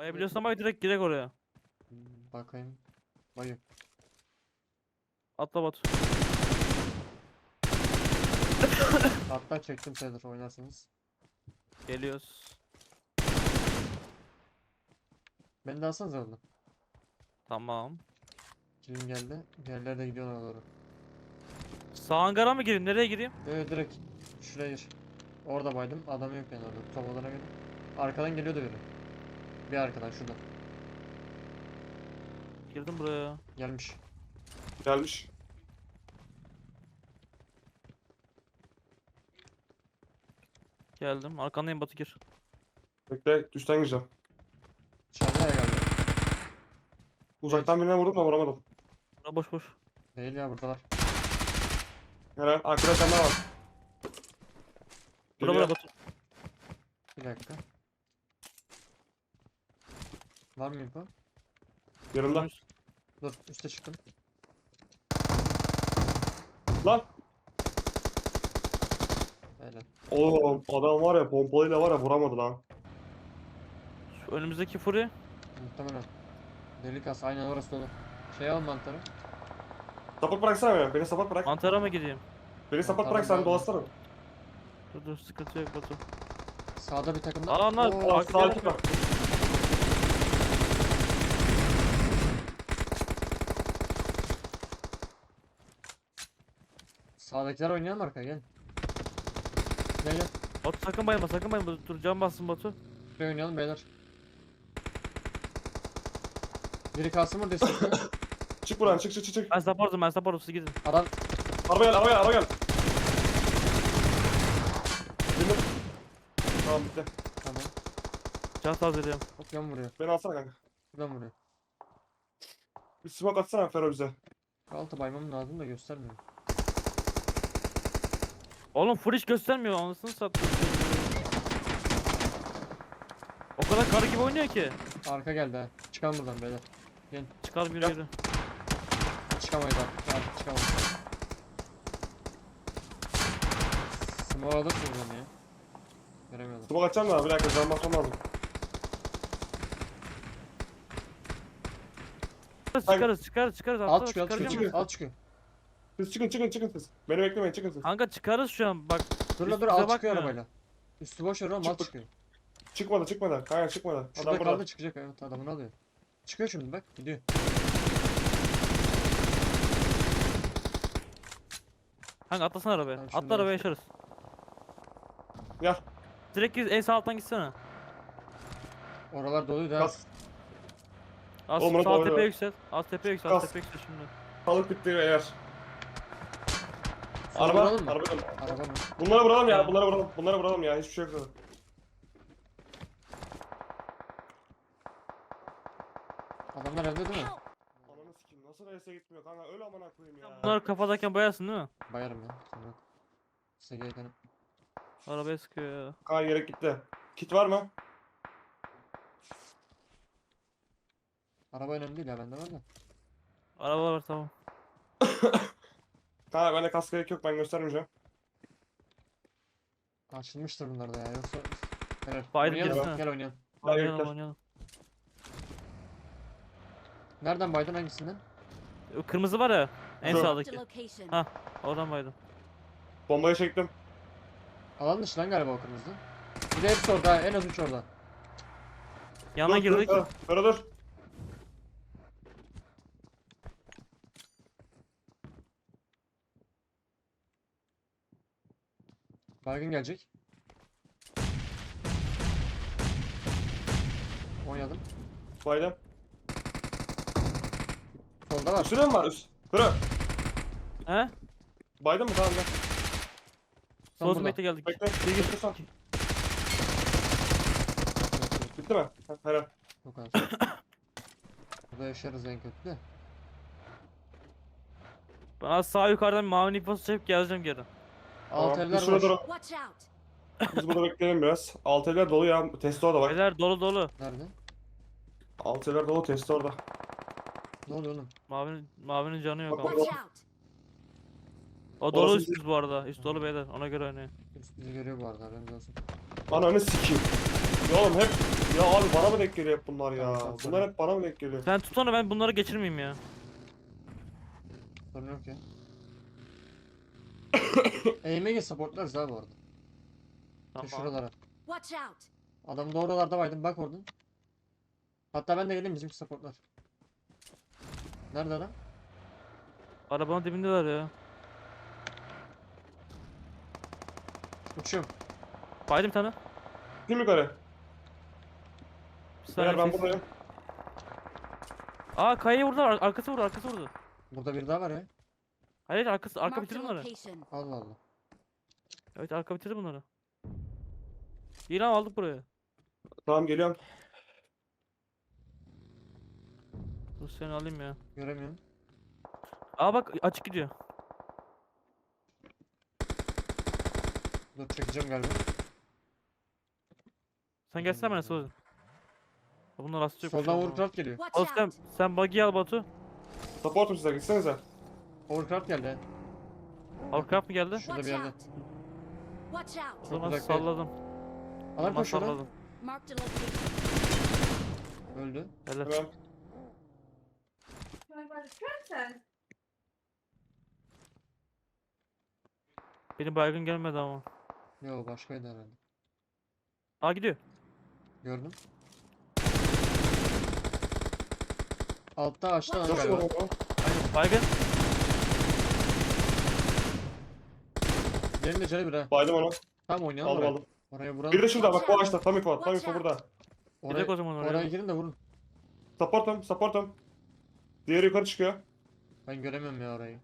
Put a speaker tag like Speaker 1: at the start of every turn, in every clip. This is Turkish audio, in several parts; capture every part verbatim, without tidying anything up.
Speaker 1: Bayabiliyorsan ama direkt girek oraya.
Speaker 2: Hmm, Bakayım. Bayım.
Speaker 1: Atla Batu.
Speaker 2: Hatta çektim sayılır oynarsınız.
Speaker 1: Geliyoruz.
Speaker 2: Beni de alsanız orada.
Speaker 1: Tamam.
Speaker 2: Kilim geldi. Diğerleri de gidiyor ona doğru.
Speaker 1: Sağ hangara mı gireyim? Nereye gireyim?
Speaker 2: Evet direkt. Şuraya gir. Orada baydım. Adam yok yani orada. Top odana göre. Arkadan geliyordu biri. Bir arkadan şuradan.
Speaker 1: Girdim buraya.
Speaker 2: Gelmiş.
Speaker 3: Gelmiş.
Speaker 1: Geldim. Arkandayım Batu gir.
Speaker 3: Bekle üstten gireceğim.
Speaker 2: Dışarıda ya galiba.
Speaker 3: Uzaktan birine vurdum da vuramadım.
Speaker 1: Bura boş boş.
Speaker 2: Değil ya buradalar.
Speaker 3: Helal. Arkada sen daha var.
Speaker 1: Bura
Speaker 3: Geliyor.
Speaker 1: bura Batu.
Speaker 2: Bir dakika. Var mı info?
Speaker 3: Yanımda.
Speaker 2: Dur üste çıktım.
Speaker 3: Lan.
Speaker 2: Öyle.
Speaker 3: Oğlum adam var ya pompalıyla var ya vuramadı lan.
Speaker 1: Şu önümüzdeki furi.
Speaker 2: Muhtemelen. Delik as aynen orası dolu. Şey al mantarı.
Speaker 3: Support bıraksana beni. Beni support bırak.
Speaker 1: Mantara mı gideyim?
Speaker 3: Beni support
Speaker 2: Tamam,
Speaker 3: bırak sen
Speaker 2: tamam.
Speaker 3: dolaşsana.
Speaker 1: Dur dur sıkıntı yok Batu.
Speaker 2: Sağda bir takım da.
Speaker 1: Adamlar
Speaker 2: Oo,
Speaker 1: Bak,
Speaker 3: Sağ
Speaker 1: gel.
Speaker 3: ekip var.
Speaker 2: Sağdakiler oynayalım arkaya gel. Gel gel.
Speaker 1: Batu sakın bayılma sakın bayılma. Dur can bassın Batu.
Speaker 2: Buraya oynayalım beyler. Biri kalsın burada istiyorsan.
Speaker 3: Çık buradan çık çık çık çık.
Speaker 1: Ben supportum ben supportum siz gidin.
Speaker 2: Adam
Speaker 3: Araba gel araba gel araba gel. Bindim. Tamam bitti.
Speaker 2: tamam.
Speaker 1: Can tazeliyorum.
Speaker 2: Hop yan vuruyor.
Speaker 3: Beni alsana kanka.
Speaker 2: Buradan vuruyor.
Speaker 3: Bir smoke atsana Fero bize.
Speaker 2: Altı baymam lazım da göstermiyor.
Speaker 1: Oğlum full hiç göstermiyor anasını sattım. O kadar karı gibi oynuyor ki.
Speaker 2: Arka geldi ha. Çıkalım buradan beyler.
Speaker 1: Çıkar bir
Speaker 3: Yap.
Speaker 1: yürü.
Speaker 2: Çıkamayız artık. Artık çıkamayız. Small alırsın buradan ya. Göremiyorum.
Speaker 3: Smoke atacağım da bir dakika can basmam lazım.
Speaker 1: Çıkarız çıkarız çıkarız.
Speaker 2: Alt
Speaker 1: Atla,
Speaker 2: çıkıyor, alt
Speaker 1: çıkaracağım.
Speaker 2: çıkıyor. Alt çıkıyor.
Speaker 3: Siz çıkın çıkın çıkın siz. Beni beklemeyin çıkın siz.
Speaker 1: Kanka çıkarız şu an bak.
Speaker 2: Dur la dur
Speaker 1: Üstümüze
Speaker 2: alt çıkıyor
Speaker 1: bakmıyor.
Speaker 2: arabayla. Üstü boş ver oğlum alt
Speaker 3: Çık-
Speaker 2: çıkıyor.
Speaker 3: Çıkmadı çıkmadı. Hayır çıkmadı.
Speaker 2: Şurada
Speaker 3: Adam burada.
Speaker 2: kaldı çıkacak evet adamını alıyor. Çıkıyor şimdi bak gidiyor.
Speaker 1: Kanka atlasana arabaya.
Speaker 2: Tamam, şunu
Speaker 1: Atla arabaya
Speaker 2: da-
Speaker 1: yaşarız.
Speaker 3: Gel.
Speaker 1: Direkt git en sağ alttan gitsene.
Speaker 2: Oralar doluydu ha.
Speaker 3: Kas.
Speaker 1: Az
Speaker 3: Oğlum, bunu
Speaker 1: sağ
Speaker 3: doğru.
Speaker 1: tepeye yüksel. Az tepeye yüksel. Az
Speaker 3: Kas.
Speaker 1: tepeye yüksel şimdi.
Speaker 3: Sağlık bitti eğer.
Speaker 2: Şunu
Speaker 3: Araba.
Speaker 2: vuralım mı?
Speaker 3: Araba.
Speaker 2: Araba mı?
Speaker 3: Bunları vuralım ya.
Speaker 1: Ya.
Speaker 3: Bunları vuralım. Bunları vuralım ya. Hiçbir şey yok zaten.
Speaker 2: Adamlar evde değil mi?
Speaker 3: Ananı sikeyim. Nasıl reyse gitmiyor kanka. Öyle amına koyayım ya.
Speaker 1: Bunlar kafadayken bayarsın değil mi?
Speaker 2: Bayarım ya. Sonra. Size geldim.
Speaker 1: Arabaya sıkıyor ya.
Speaker 3: Kanka gerek gitti. Kit var mı?
Speaker 2: Araba önemli değil ya bende var da.
Speaker 1: Araba var tamam.
Speaker 3: Kanka bende kask gerek yok. Ben göstermeyeceğim.
Speaker 2: Açılmıştır bunlar da ya yoksa. Helal.
Speaker 1: Bayram
Speaker 2: Oynayalım.
Speaker 1: gelsene.
Speaker 2: Gel oynayalım.
Speaker 3: Hadi
Speaker 1: Oynayalım
Speaker 3: gel.
Speaker 1: oynayalım.
Speaker 2: Nereden baydın hangisinden?
Speaker 1: O kırmızı var ya. En
Speaker 3: Dur.
Speaker 4: Marked a
Speaker 1: sağdaki.
Speaker 4: location.
Speaker 1: Ha. Oradan baydım.
Speaker 3: Bombayı çektim.
Speaker 2: Alan dışı lan galiba o kırmızı. Bir de hepsi orada ha, en az üç orada.
Speaker 1: Yana
Speaker 3: Dur,
Speaker 1: girdik.
Speaker 3: Dur, dur, dur, dur.
Speaker 2: Baygın gelecek. Oynadım.
Speaker 3: Baydım.
Speaker 2: Solda var.
Speaker 3: Üstüne mi var? Üst. Kırı.
Speaker 1: He?
Speaker 3: Baydın mı? Tamam gel.
Speaker 2: Tam
Speaker 1: Sol
Speaker 2: burada.
Speaker 1: smack'te geldik.
Speaker 3: Bekle. Bekle sen. Bitti mi? Ha, helal.
Speaker 2: O kadar. Burada yaşarız en kötü de.
Speaker 1: Ben sağ yukarıdan mavi niposu çekip geleceğim geri.
Speaker 2: Alt
Speaker 3: Tamam,
Speaker 2: eller
Speaker 3: biz şurada
Speaker 2: boş.
Speaker 3: duralım.
Speaker 4: Watch out.
Speaker 3: Biz burada bekleyelim biraz. Alt eller dolu ya. Testi orada bak.
Speaker 1: Beyler dolu dolu.
Speaker 2: Nerede?
Speaker 3: Alt eller dolu. Testi orada.
Speaker 2: Ne oluyor oğlum?
Speaker 1: Mavinin, mavinin canı yok
Speaker 3: Bak,
Speaker 1: ama.
Speaker 3: bak.
Speaker 4: Watch out.
Speaker 1: O dolu
Speaker 3: Orası
Speaker 1: üstümüz bu arada. Üst dolu beyler. Ona göre oynayın.
Speaker 2: Üst bizi görüyor bu arada haberiniz olsun.
Speaker 3: Ananı sikeyim. Ya oğlum hep ya abi bana mı denk geliyor hep bunlar ya?
Speaker 2: Tamam, tamam,
Speaker 3: Bunlar
Speaker 2: sorry.
Speaker 3: hep bana mı denk geliyor?
Speaker 1: Sen tut onu, ben bunları geçirmeyeyim ya.
Speaker 2: Sorun yok ya. Eğime git, supportlarız abi orada. Şu
Speaker 1: Tamam.
Speaker 2: şuralara.
Speaker 4: Watch out!
Speaker 2: Adam da oralarda vardı, bak oradan. Hatta ben de geleyim, bizimki supportlar. Nerede adam?
Speaker 1: Arabanın dibindeler ya.
Speaker 2: Uçuyorum.
Speaker 1: Baydım bir tane.
Speaker 3: Kim yukarı?
Speaker 1: Bir saniye
Speaker 3: Beyler ben
Speaker 1: ses-
Speaker 3: buradayım.
Speaker 1: Aa, kayayı vurdu, ar- arkası vurdu, arkası vurdu.
Speaker 2: Burada biri daha var ya.
Speaker 1: Hayır, arkası, arka
Speaker 4: Marked a
Speaker 1: bitirdi bunları.
Speaker 4: location.
Speaker 2: Allah Allah.
Speaker 1: Evet, arka bitirdi bunları. İyi lan, aldık buraya.
Speaker 3: Tamam geliyorum.
Speaker 1: Dur seni alayım ya.
Speaker 2: Göremiyorum.
Speaker 1: Aa bak, açık gidiyor.
Speaker 2: Dur, çekeceğim galiba.
Speaker 1: Sen gelsene bana Suudi. Bunlar rastı yok.
Speaker 2: Soldan Overcraft geliyor.
Speaker 4: Watch
Speaker 1: Al sen,
Speaker 4: out!
Speaker 1: sen buggy al Batu.
Speaker 3: Supportum size gitsenize.
Speaker 2: Overcraft geldi.
Speaker 1: Overcraft mı geldi?
Speaker 2: Şurada
Speaker 4: Watch
Speaker 2: bir yerde.
Speaker 4: out! Watch
Speaker 1: O
Speaker 4: out!
Speaker 1: zaman
Speaker 2: uzak değil.
Speaker 1: salladım. O
Speaker 2: Adam
Speaker 1: zaman
Speaker 2: koşuyor lan.
Speaker 1: salladım.
Speaker 4: Marked a location.
Speaker 2: Öldü.
Speaker 1: Helal.
Speaker 3: Hemen.
Speaker 1: Benim baygın gelmedi ama.
Speaker 2: Yo, başkaydı herhalde.
Speaker 1: Aa, gidiyor.
Speaker 2: Gördüm. Altta açtı adam
Speaker 3: Nasıl
Speaker 2: galiba.
Speaker 3: oldu?
Speaker 1: Baygın.
Speaker 2: Diğerinin de canı bir ha.
Speaker 3: Baydım onu.
Speaker 2: Tamam, oynayalım
Speaker 3: Aldım
Speaker 2: oraya.
Speaker 3: aldım.
Speaker 2: Oraya vuralım.
Speaker 3: Bir de şurada bak bu ağaçta. Tam info. Tam info burada.
Speaker 2: Oraya,
Speaker 1: Gidelim o zaman oraya.
Speaker 2: oraya girin de vurun.
Speaker 3: Supportum. Supportum. Diğeri yukarı çıkıyor.
Speaker 2: Ben göremiyorum ya orayı.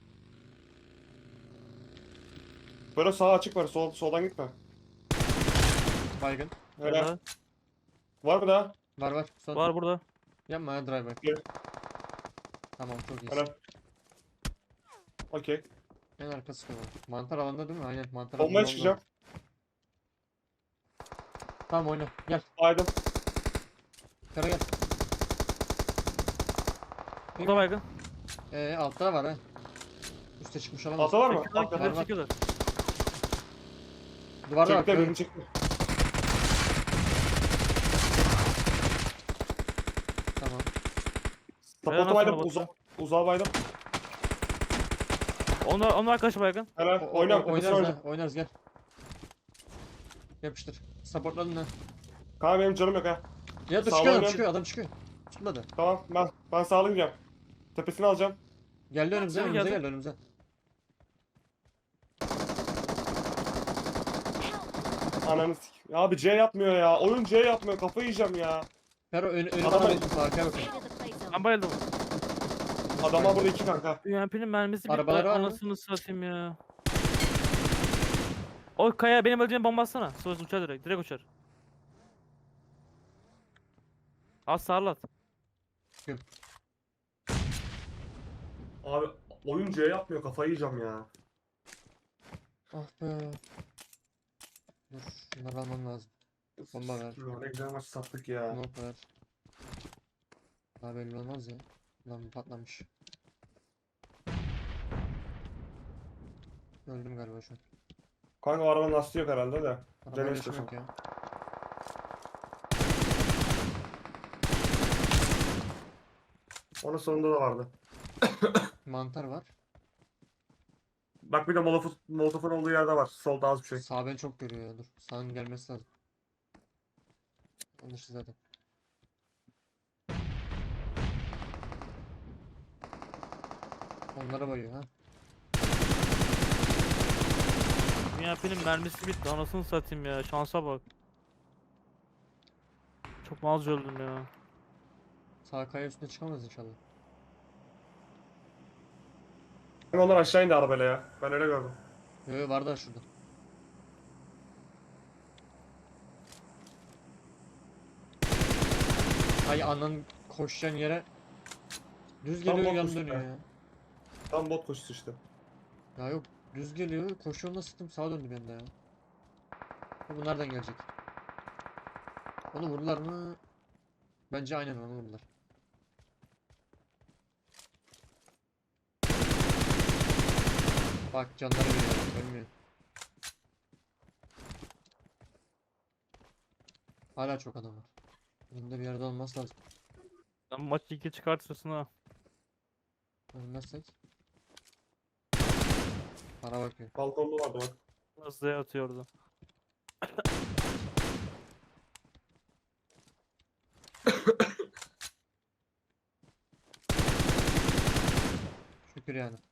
Speaker 3: Böyle sağ açık var. Sol, soldan gitme.
Speaker 2: Baygın.
Speaker 3: Öyle.
Speaker 1: Helal.
Speaker 3: Var mı daha?
Speaker 2: Var var. Son.
Speaker 1: Var burada.
Speaker 2: Yapma ya, drive back.
Speaker 3: Gel.
Speaker 2: Tamam, çok iyisin.
Speaker 3: Helal. Okey.
Speaker 2: En arkası var. Mantar alanda değil mi? Aynen, mantar
Speaker 3: Bombaya
Speaker 2: alanda
Speaker 3: çıkacağım.
Speaker 2: oldu. Tamam, oyna. Gel.
Speaker 3: Baydım.
Speaker 2: Kara gel.
Speaker 1: Bu da baygın.
Speaker 2: Ee, altta da var ha. Üste çıkmış olamaz.
Speaker 3: Altta var mı?
Speaker 1: Çekiyorlar,
Speaker 3: Altta.
Speaker 2: var,
Speaker 1: kendileri
Speaker 2: var.
Speaker 1: çekiyorlar.
Speaker 2: Duvarda bak.
Speaker 3: Çekti
Speaker 2: gördüm.
Speaker 3: birini çekti.
Speaker 2: Tamam.
Speaker 1: Helal
Speaker 3: Supportu baydım.
Speaker 1: sana
Speaker 3: Uza uzağa baydım.
Speaker 1: Onlar, onlar arkadaşı baygın.
Speaker 3: Helal.
Speaker 2: O- o-
Speaker 3: Oyna.
Speaker 2: o-
Speaker 3: Tepesine
Speaker 2: Oynarız
Speaker 3: oyna.
Speaker 2: ha. Oynarız, gel. Yapıştır. Supportladın ha.
Speaker 3: Kanka benim canım yok ha.
Speaker 2: Ya dur,
Speaker 3: Sağ
Speaker 2: çıkıyor adam,
Speaker 3: oynuyorum.
Speaker 2: çıkıyor adam, çıkıyor. Tutmadı.
Speaker 3: Tamam ben ben sağlayacağım. Tepesini alacağım.
Speaker 2: Geldi önümüze,
Speaker 1: Sen
Speaker 2: önümüze
Speaker 1: geldin.
Speaker 2: geldi önümüze.
Speaker 3: Ananı sik. Ya abi C yapmıyor ya. Oyun C yapmıyor. Kafayı yiyeceğim ya.
Speaker 2: Fero ön, önüme
Speaker 3: Adama-
Speaker 2: bakın. Arkaya bakın.
Speaker 4: Into the play zone.
Speaker 1: Ben bayıldım.
Speaker 3: Adamlar burada iki kanka.
Speaker 1: U M P'nin mermisi bitti.
Speaker 2: Arabaları var mı?
Speaker 1: Anasını satayım ya. O kaya benim öldüğüm bomba atsana. Sonra uçar direkt. Direkt uçar. Az sarlat.
Speaker 3: Abi oyun C yapmıyor. Kafayı yiyeceğim ya.
Speaker 2: Ah be. Dur, şunları almam lazım. Bomba ver.
Speaker 3: Ne güzel maç sattık ya.
Speaker 2: Smoke ver. Daha belli olmaz ya. Lan patlamış. Öldüm galiba şu an.
Speaker 3: Kanka o arabanın lastiği yok herhalde de.
Speaker 2: Arabaya
Speaker 3: Dene
Speaker 2: geçim
Speaker 3: istiyorsan.
Speaker 2: yok ya.
Speaker 3: Onun sonunda da vardı.
Speaker 2: Mantar var.
Speaker 3: Bak bir de molotof, molotofun olduğu yerde var. Solda az bir şey.
Speaker 2: Sağ beni çok görüyor ya, dur. Sağın gelmesi lazım. Yanlış zaten. Onlara bayıyor ha.
Speaker 1: U M P'nin mermisi bitti. Anasını satayım ya. Şansa bak. Çok malca öldüm ya.
Speaker 2: Sağ kaya üstüne çıkamaz inşallah.
Speaker 3: Onlar aşağı indi arabayla ya. Ben öyle gördüm.
Speaker 2: Yo yo, var da şurada. Ay anan, koşacaksın yere düz
Speaker 3: Tam
Speaker 2: geliyor,
Speaker 3: bot
Speaker 2: yan
Speaker 3: üstüne.
Speaker 2: dönüyor ya.
Speaker 3: Tam bot koşusu işte.
Speaker 2: Ya yok, düz geliyor, koşuyor, nasıl sıktım, sağa döndü bende ya. Ha, bu nereden gelecek? Onu vurdular mı? Bence aynen onu vurdular. Bak canları veriyor, ölmüyor. Hala çok adam var. Bunda bir yerde olması lazım.
Speaker 1: Sen maçı iki çıkartırsın ha.
Speaker 2: Ölmezsek. Para bakıyor.
Speaker 3: Balkonda vardı bak.
Speaker 1: Hızlıya atıyordu.
Speaker 2: Şükür yani.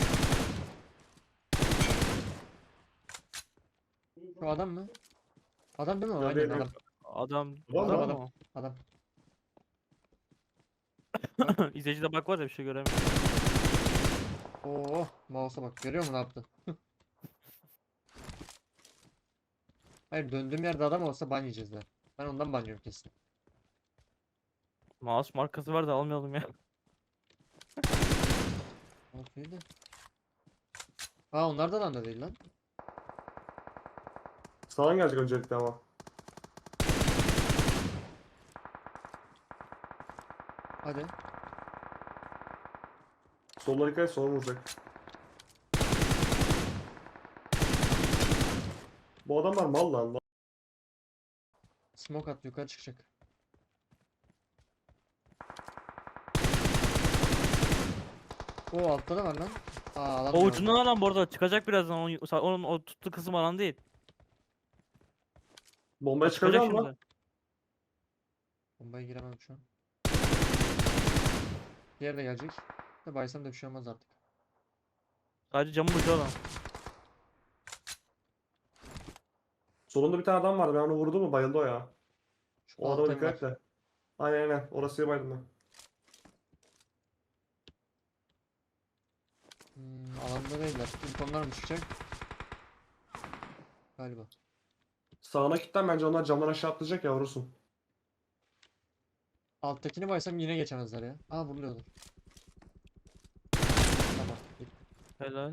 Speaker 2: Şu adam mı? Adam değil mi o?
Speaker 3: Ya
Speaker 2: Aynen
Speaker 3: değil,
Speaker 2: adam.
Speaker 1: Adam,
Speaker 3: Adam
Speaker 1: adam,
Speaker 2: adam.
Speaker 1: mı o?
Speaker 2: Adam.
Speaker 1: İzleyicide bak var ya bir şey göremiyor.
Speaker 2: Oo, mouse'a bak. Görüyor musun ne yaptı? Hayır, döndüğüm yerde adam olsa ban yiyeceğiz de. Ben ondan ban yiyorum kesin.
Speaker 1: Mouse markası var da almayalım ya.
Speaker 2: Okey de. Aa, onlar da adam da değil lan.
Speaker 3: Sağdan gelecek öncelikle ama.
Speaker 2: Hadi.
Speaker 3: Soluna dikkat et, sola vuracak. Bu adamlar mal lan. mal.
Speaker 2: Smoke at, yukarı çıkacak. Oo, altta da var lan. Aa, adam
Speaker 1: O
Speaker 2: gördüm.
Speaker 1: ucundan alan bu arada çıkacak birazdan. Onun, onun o tuttu kısım alan değil.
Speaker 3: Bombaya
Speaker 1: Çıkacak
Speaker 3: çıkacak mı?
Speaker 1: şimdi.
Speaker 2: Bombaya giremem şu an. Diğeri de gelecek. De baysam da bir şey olmaz artık.
Speaker 1: Sadece camın ucu alan.
Speaker 3: Solunda bir tane adam vardı. Ben onu vurdum mu bayıldı o ya.
Speaker 2: Şu
Speaker 3: O adama
Speaker 2: altta
Speaker 3: dikkat et
Speaker 2: var.
Speaker 3: de. Aynen aynen. Orası bayıldım ben.
Speaker 2: Hmm, alanda değiller. İlk onlar mı çıkacak? Galiba.
Speaker 3: Sağına kilitlen, bence onlar camdan aşağı atlayacak ya, vurursun.
Speaker 2: Alttakini baysam yine geçemezler ya. Aa, vuruluyorlar. Tamam. Gitti.
Speaker 1: Helal.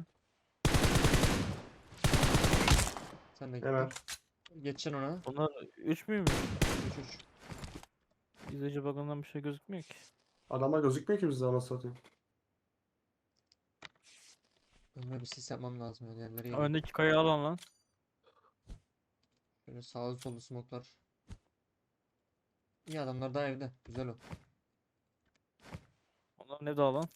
Speaker 2: Sen de gittin.
Speaker 3: Hemen.
Speaker 2: Geçeceksin ona.
Speaker 1: Onlar üç müymüş?
Speaker 2: üç üç.
Speaker 1: İzleyici bakımından bir şey gözükmüyor ki.
Speaker 3: Adamlar gözükmüyor ki bizde, anasını satayım.
Speaker 2: Önüme bir sis yapmam lazım yani. Yerleri geliyor.
Speaker 1: Öndeki kayayı alan lan.
Speaker 2: Şöyle sağlı sollu smoklar. İyi, adamlar daha evde. Güzel o.
Speaker 1: Onlar ne de alan?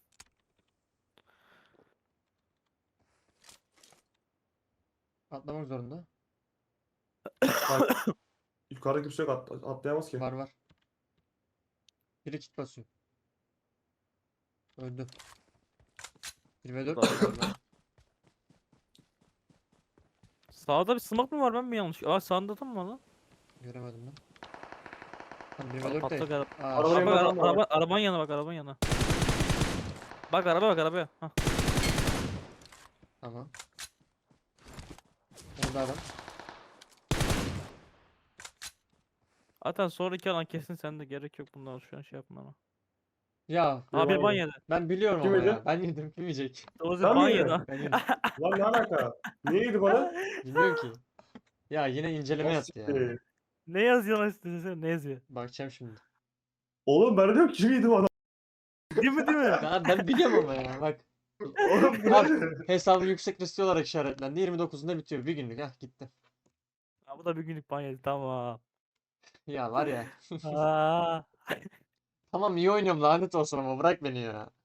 Speaker 2: Atlamak zorunda.
Speaker 3: Bak, yukarıda kimse yok, at atlayamaz ki.
Speaker 2: Var var. Biri kit basıyor. Öldü. bir ve dört
Speaker 1: Daha-
Speaker 2: galiba.
Speaker 1: Sağda bir smoke mu var, ben mi yanlış? Aa, sağında da mı var lan?
Speaker 2: Göremedim ben. Tam bir
Speaker 1: Aa,
Speaker 2: ve dört değil.
Speaker 1: patlak araba.
Speaker 2: Aa,
Speaker 3: Araba
Speaker 2: şey-
Speaker 3: yanında
Speaker 1: Araba,
Speaker 3: adam var.
Speaker 1: araba, arabanın yanına bak, arabanın yanına. Bak araba, bak arabaya. Hah.
Speaker 2: Tamam. Orada adam.
Speaker 1: Zaten sonraki alan kesin sende, gerek yok bundan şu an şey yapmana.
Speaker 2: Ya
Speaker 3: Bir
Speaker 1: Abi
Speaker 3: ban
Speaker 1: ban
Speaker 3: yedi.
Speaker 1: yedi.
Speaker 2: ben biliyorum
Speaker 3: Kim
Speaker 2: ama
Speaker 3: yedi?
Speaker 2: ya. Ben yedim. Kim yiyecek?
Speaker 1: Dozi
Speaker 3: Sen
Speaker 1: ban
Speaker 3: mi
Speaker 1: yedi.
Speaker 3: yedin?
Speaker 1: ha.
Speaker 2: Ben yedim.
Speaker 3: Lan ne alaka? Niye yedi bana?
Speaker 2: Bilmiyorum ki. Ya yine inceleme
Speaker 3: Nasıl
Speaker 2: yaptı ya.
Speaker 3: siktir?
Speaker 1: Ne yazıyor lan üstüne, ne yazıyor?
Speaker 2: Bakacağım şimdi.
Speaker 3: Oğlum ben de diyorum kim yedi bana?
Speaker 1: Değil mi değil mi?
Speaker 2: Ya ben biliyorum ama ya. Bak.
Speaker 3: Oğlum bu
Speaker 2: Abi,
Speaker 3: ne?
Speaker 2: hesabı yüksek riskli olarak işaretlendi. yirmi dokuzunda bitiyor. Bir günlük. Hah, gitti.
Speaker 1: Ha, bu da bir günlük ban yedi, tamam.
Speaker 2: Ya var ya.
Speaker 1: Aa.
Speaker 2: Tamam, iyi oynuyorum, lanet olsun ama bırak beni ya.